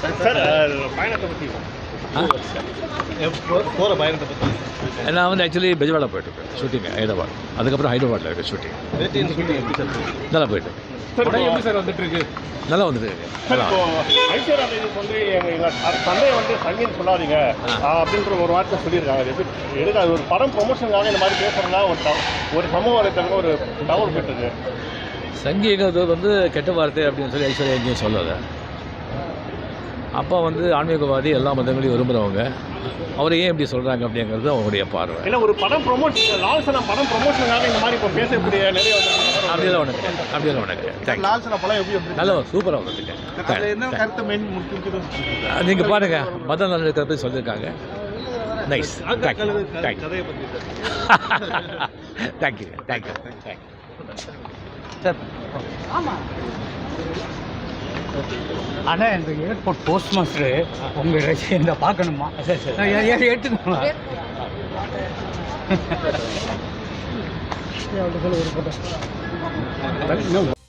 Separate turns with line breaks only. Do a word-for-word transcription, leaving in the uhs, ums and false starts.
Sir பயணத்தை பற்றி போகிற பயணத்தை பற்றி
நான் வந்து ஆக்சுவலி பெஜவாடா போயிட்டுருக்கேன் ஷூட்டிங் ஹைதராபாத், அதுக்கப்புறம் ஹைதராபாத்தில் இருக்க ஷூட்டிங் நல்லா போயிட்டு
எப்படி சார் வந்துட்டு இருக்கு?
நல்லா வந்துட்டு இருக்கு.
ஐஸ்வர்யா வந்து எங்கள் தந்தையை வந்து சங்கீதம் சொல்லாதீங்க அப்படின்ற ஒரு வார்த்தை சொல்லியிருக்காங்க. அது எப்படி எடுக்க அது ஒரு படம் ப்ரொமோஷனுக்காக இந்த மாதிரி பேசுகிறதுனா ஒரு ஒரு சமூக வலைத்தளம் ஒரு தகவல் போயிட்டுருக்கு.
சங்கீதத்தை வந்து கெட்ட வார்த்தை அப்படின்னு சொல்லி ஐஸ்வர்யா எங்கேயும் சொல்லலை. அப்பா வந்து ஆன்மீகவாதி, எல்லா மதங்களையும் விரும்புகிறவங்க. அவர் ஏன் இப்படி சொல்கிறாங்க அப்படிங்கிறது அவங்களுடைய பார்வை.
இல்லை ஒரு படம் ப்ரொமோஷன் லால்சனா படம் ப்ரொமோஷனுக்காக இந்த மாதிரி இப்போ பேசக்கூடிய நிறைய
அப்படியெல்லாம் ஒன்று கிடையாது. அப்படியெல்லாம் ஒன்று கிடையாது.
லால்சனா படம் எப்படி
நல்லா சூப்பராக வந்துருக்கு. நீங்கள் பாருங்கள், மத நல்ல பற்றி சொல்லியிருக்காங்க. Nice. Thank you thank you thank you thank you
sir. ஆமாம் அண்ணா, இந்த ஏர்போர்ட் போஸ்ட் மாஸ்டரு உங்கள் இந்த பார்க்கணுமா? எடுத்துக்கணும்.